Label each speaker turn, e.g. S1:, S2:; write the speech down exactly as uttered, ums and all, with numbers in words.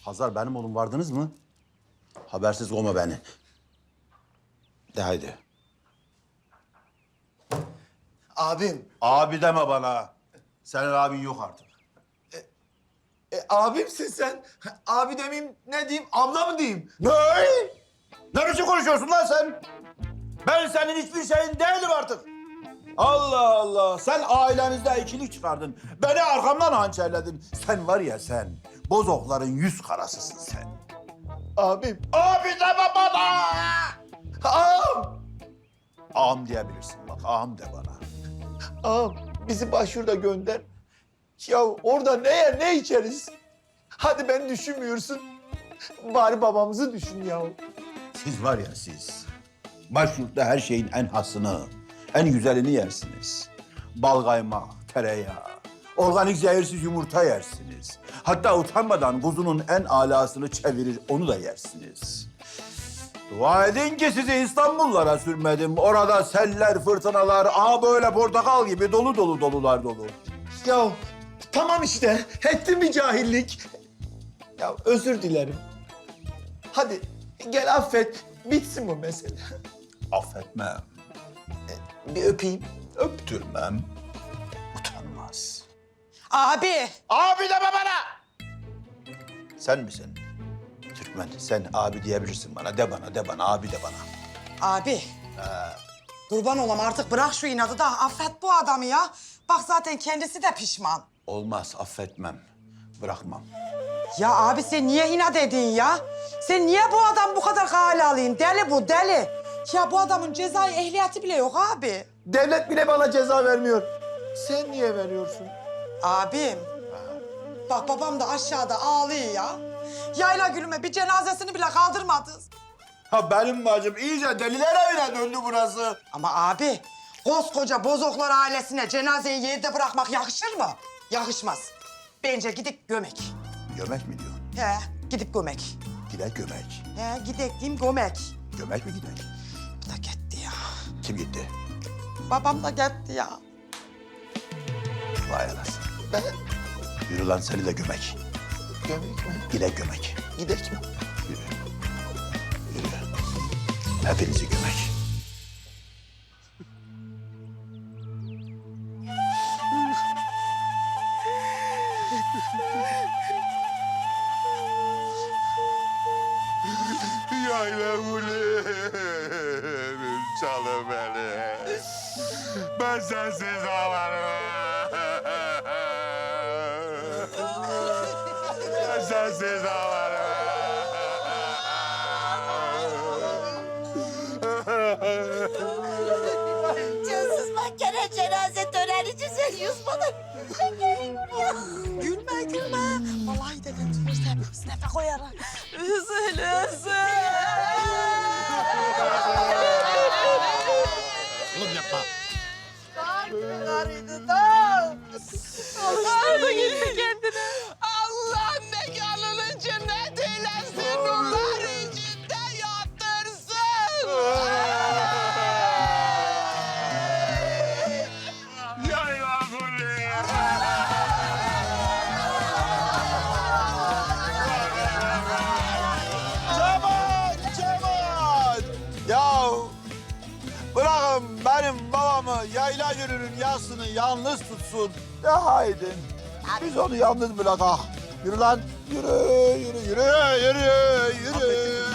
S1: Hazar benim oğlum vardınız mı? Habersiz olma beni. De haydi.
S2: Abim.
S1: Abi deme bana. Senin abin yok artık.
S2: E, abimsin sen. Abi demeyeyim ne diyeyim? Abla mı diyeyim?
S1: Ne? Ne biçim konuşuyorsun lan sen? Ben senin hiçbir şeyin değilim artık. Allah Allah. Sen ailemizde ikilik çıkardın. Beni arkamdan hançerledin. Sen var ya sen. Bozokların yüz karasısın sen.
S2: Abim.
S1: Abi deme bana.
S2: Ağam.
S1: Ağam diyebilirsin bak. Ağam de bana.
S2: Ağam bizi başvurda gönder. Ya orada ne yer ne içeriz? Hadi beni düşünmüyorsun. Bari babamızı düşün ya.
S1: Siz var ya siz. Başyurtta her şeyin en hasını, en güzelini yersiniz. Bal kaymak, tereyağı, organik zehirsiz yumurta yersiniz. Hatta utanmadan kuzunun en alasını çevirir, onu da yersiniz. Dua edin ki sizi İstanbullara sürmedim. Orada seller, fırtınalar, aa böyle portakal gibi dolu dolu dolular dolu.
S2: Ya tamam işte. Ettim bir cahillik. Ya özür dilerim. Hadi gel affet. Bitsin bu mesele.
S1: Affetmem,
S2: Bir öpeyim.
S1: öptürmem, utanmaz.
S3: Abi.
S1: Abi deme bana! Sen misin? Türkmen, sen abi diyebilirsin bana. De bana, de bana, abi de bana.
S3: Abi. Kurban olam artık bırak şu inadı da affet bu adamı ya. Bak zaten kendisi de pişman.
S1: Olmaz, affetmem. Bırakmam.
S3: Ya abi sen niye inat edin ya? Sen niye bu adam bu kadar kale alayım? Deli bu deli. Ya bu adamın cezai ehliyeti bile yok abi.
S2: Devlet bile bana ceza vermiyor. Sen niye veriyorsun?
S3: Abim. Bak babam da aşağıda ağlıyor ya. Yayla gülüme bir cenazesini bile kaldırmadınız.
S1: Ha benim bacım iyice deliler evine döndü burası.
S3: Ama abi koskoca Bozoklar ailesine cenazeyi yerde bırakmak yakışır mı? Yakışmaz. Bence gidip gömek.
S1: Gömek mi diyorsun?
S3: He gidip gömek.
S1: Gidek gömek.
S3: He gidek diyeyim gömek.
S1: Gömek mi gidek?
S3: Bu da gitti ya.
S1: Kim gitti?
S3: Babam da gitti ya.
S1: Vay anasını. Ben... Yürü lan seni de gömek.
S2: Gömek mi?
S1: Gidek gömek.
S2: Gidek mi?
S1: Yürü. Yürü. Hepinizi gömek.
S4: Yayla ulerim çalı beni. Ben sensiz ağlarım. Ben sensiz ağlarım.
S5: Cansız mahkeme cenaze töreni düzeliyoruz bana. Gelin buraya.
S3: Gülme gülme. Vallahi dedem duyursa sınıfa koyarım. Üzül üzül.
S4: Oğlum yapma.
S3: Karıydı da. Alıştırdı gitti kendine. Allah mekanını cennet eylesin. Nurlar içinde yatırsın.
S4: Yayla ulerim.
S1: Cemal, Cemal! Ya bırakın benim babamı yayla yürürün yasını yalnız tutsun. De haydi. Biz onu yalnız bırakak. Yürü lan. Yürü, yürü, yürü, yürü, yürü.